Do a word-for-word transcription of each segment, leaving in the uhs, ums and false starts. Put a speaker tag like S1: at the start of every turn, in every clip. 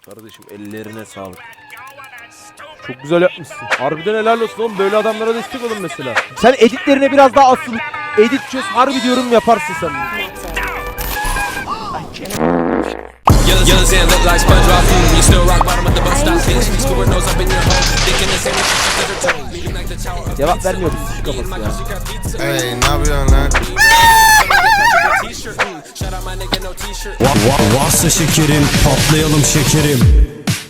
S1: Kardeşim ellerine sağlık. Çok güzel yapmışsın. Harbiden helal olsun oğlum. Böyle adamlara destek olun mesela. Sen editlerine biraz daha asıl. Edit çöz. Harbi diyorum yaparsın sen. Cevap vermiyoruz şu kafası ya.
S2: Hey, ne yapıyorsun lan?
S3: Varsa şekerim, patlayalım şekerim.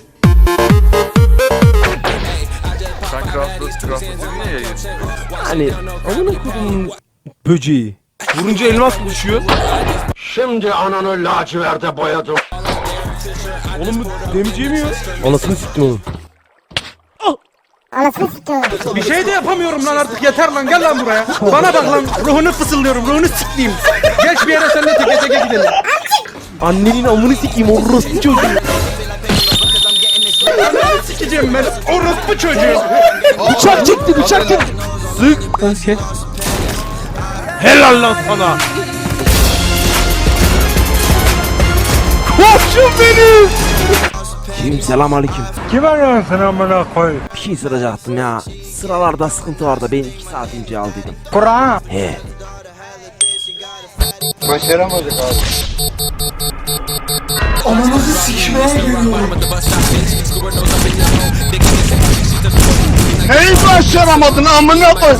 S4: Sen Craft'ı Craft'ı niye yayın?
S1: Hani amına koyduğum böceği. Vurunca elmas mı düşüyor?
S5: Şimdi ananı laciverde boyadım.
S1: Oğlum bu demeyeceği mi ya? Anasını siktim oğlum.
S6: Anasını siktir.
S7: Bir şey de yapamıyorum lan artık, yeter lan, gel lan buraya. Bana bak lan, ruhunu fısıldıyorum, ruhunu sikleyeyim. Geç bir yere seninle teke teke gidelim.
S1: Annenin amını sikeyim orospu çocuğu.
S7: Ananı sikeceğim ben, orospu çocuğu.
S1: Bıçak çekti bıçak çekti. Sık. Lan kes. Helal lan sana. Koçum benim. Şimdi selam aleyküm.
S7: Kim arıyorsun sen amına koy?
S1: Bir şey soracaktım ya. Sıralarda sıkıntı var da ben iki saat önce aldıydım.
S7: Kur'an.
S1: He.
S4: Başaramadık abi.
S7: Ananızı sikmeye geliyorum.
S5: Hey başaramadın amına koy.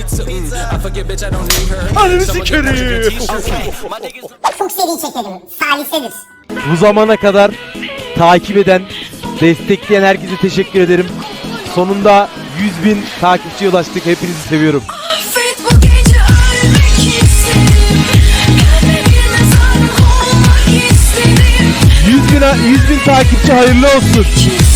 S7: Ananı sikerim.
S6: Çok seri çekelim. Salisedir.
S1: Bu zamana kadar takip eden, destekleyen herkese teşekkür ederim. Sonunda yüz bin takipçiye ulaştık. Hepinizi seviyorum.
S8: Bu gece ölmek istedim. Kalbime mezarlık olmak istedim.
S1: yüz bin, yüz bin takipçi hayırlı olsun.